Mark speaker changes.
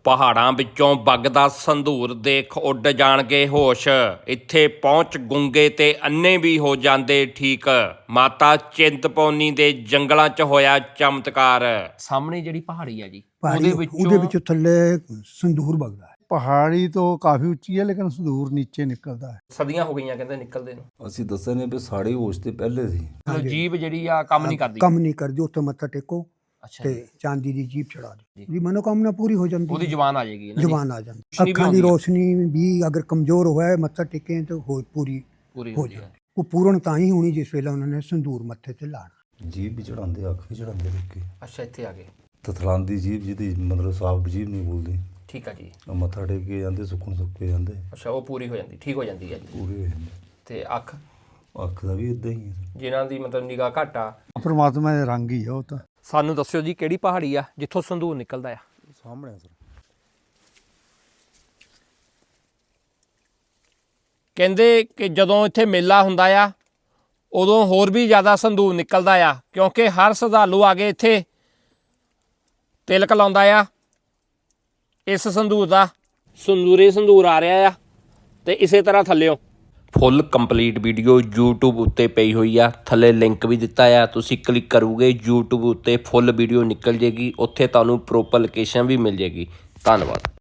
Speaker 1: ਪਹਾੜਾਂ ਵਿੱਚੋਂ ਵਗਦਾ ਸੰਧੂਰ ਦੇਖ ਉੱਡ ਜਾਣਗੇ ਹੋਸ਼। ਇੱਥੇ ਪਹੁੰਚ ਗੁੰਗੇ ਤੇ ਅੰਨੇ ਵੀ ਹੋ ਜਾਂਦੇ ਠੀਕ। ਮਾਤਾ ਚਿੰਤਪੁਰਨੀ ਦੇ ਜੰਗਲਾਂ 'ਚ ਹੋਇਆ ਚਮਤਕਾਰ। ਸਾਹਮਣੇ ਜਿਹੜੀ ਪਹਾੜੀ ਆ ਜੀ, ਉਹਦੇ ਵਿੱਚੋਂ
Speaker 2: ਥੱਲੇ ਸੰਧੂਰ ਵਗਦਾ ਹੈ।
Speaker 3: ਪਹਾੜੀ ਤੋਂ ਕਾਫੀ ਉੱਚੀ ਹੈ ਲੇਕਿਨ ਸੰਧੂਰ ਨੀਚੇ ਨਿਕਲਦਾ ਹੈ।
Speaker 1: ਸਦੀਆਂ ਹੋ ਗਈਆਂ ਕਹਿੰਦੇ ਨਿਕਲਦੇ ਨੂੰ।
Speaker 4: ਅਸੀਂ ਦੱਸਿਆ ਨੇ ਵੀ ਸਾੜੀ ਹੋਸ਼ ਤੇ ਪਹਿਲੇ ਸੀ।
Speaker 1: ਜੀਭ ਜਿਹੜੀ ਆ ਕੰਮ ਨਹੀਂ ਕਰਦੀ।
Speaker 2: ਉੱਥੇ ਮੱਥਾ ਟੇਕੋ
Speaker 1: ਅੱਛਾ
Speaker 2: ਤੇ ਚਾਂਦੀ ਦੀ ਜੀਭ ਚੜਾ ਦਿਓ ਜੀ, ਮਨੋਕਾਮਨਾ ਪੂਰੀ ਹੋ ਜਾਂਦੀ।
Speaker 1: ਉਹਦੀ ਜ਼ੁਬਾਨ ਆ ਜਾਏਗੀ,
Speaker 2: ਜ਼ੁਬਾਨ ਆ ਜਾਂਦੀ। ਅੱਖਾਂ ਦੀ ਰੋਸ਼ਨੀ ਵੀ ਅਗਰ ਕਮਜ਼ੋਰ ਹੋਇਆ ਮੱਥਾ ਟੇਕੇ ਤਾਂ ਪੂਰੀ ਹੋ ਜਾਂਦੀ। ਉਹ ਪੂਰਨ ਤਾਂ ਹੀ ਹੋਣੀ ਜਿਸ ਵੇਲੇ ਉਹਨਾਂ ਨੇ ਸੰਧੂਰ ਮੱਥੇ ਤੇ ਲਾਣਾ।
Speaker 4: ਜੀਭ ਵੀ ਚੜਾਉਂਦੇ, ਅੱਖ ਵੀ ਚੜਾਉਂਦੇ ਲੋਕੀ।
Speaker 1: ਅੱਛਾ, ਇੱਥੇ ਆ ਗਏ।
Speaker 4: ਤਥਲਾਂਦੀ ਜੀਭ ਜਿਹਦੀ ਮਤਲਬ ਸਾਫ਼ ਜੀਭ ਨਹੀਂ ਬੋਲਦੀ।
Speaker 1: ਠੀਕ ਆ ਜੀ।
Speaker 4: ਉਹ ਮੱਥਾ ਟੇਕ ਕੇ ਜਾਂਦੇ, ਸੁੱਕਣ ਸੁੱਕੇ ਜਾਂਦੇ।
Speaker 1: ਅੱਛਾ, ਉਹ ਪੂਰੀ ਹੋ ਜਾਂਦੀ, ਠੀਕ ਹੋ ਜਾਂਦੀ ਹੈ ਜੀ।
Speaker 4: ਪੂਰੇ ਹੋ ਜਾਂਦੇ।
Speaker 1: ਤੇ ਅੱਖ
Speaker 4: ਦਾ ਵੀ ਇਦਾਂ ਹੀ ਹੈ।
Speaker 1: ਜਿਨ੍ਹਾਂ ਦੀ ਮਤਲਬ ਨਿਗਾਹ ਘੱਟ ਆ,
Speaker 3: ਪਰਮਾਤਮਾ ਦੇ ਰੰਗ ਹੀ ਆ ਉਹ ਤਾਂ।
Speaker 1: ਸਾਨੂੰ ਦੱਸਿਓ ਜੀ ਕਿਹੜੀ ਪਹਾੜੀ ਆ ਜਿੱਥੋਂ ਸੰਧੂਰ ਨਿਕਲਦਾ ਆ?
Speaker 4: ਸਾਹਮਣੇ ਸਰ।
Speaker 1: ਕਹਿੰਦੇ ਕਿ ਜਦੋਂ ਇੱਥੇ ਮੇਲਾ ਹੁੰਦਾ ਆ ਉਦੋਂ ਹੋਰ ਵੀ ਜ਼ਿਆਦਾ ਸੰਧੂਰ ਨਿਕਲਦਾ ਆ, ਕਿਉਂਕਿ ਹਰ ਸ਼ਰਧਾਲੂ ਆ ਕੇ ਇੱਥੇ ਤਿਲਕ ਲਾਉਂਦਾ ਆ ਇਸ ਸੰਧੂਰ ਦਾ। ਸੰਧੂਰ ਆ ਰਿਹਾ ਆ ਤੇ ਇਸੇ ਤਰ੍ਹਾਂ ਥੱਲਿਓ ਫੁੱਲ ਕੰਪਲੀਟ ਵੀਡੀਓ YouTube ਉੱਤੇ ਪਈ ਹੋਈ ਆ। ਥੱਲੇ ਲਿੰਕ ਵੀ ਦਿੱਤਾ ਆ, ਤੁਸੀਂ ਕਲਿੱਕ ਕਰੋਗੇ YouTube ਉੱਤੇ ਫੁੱਲ ਵੀਡੀਓ ਨਿਕਲ ਜੇਗੀ। ਉੱਥੇ ਤੁਹਾਨੂੰ ਪ੍ਰੋਪਰ ਲੋਕੇਸ਼ਨ ਵੀ ਮਿਲ ਜੇਗੀ। ਧੰਨਵਾਦ।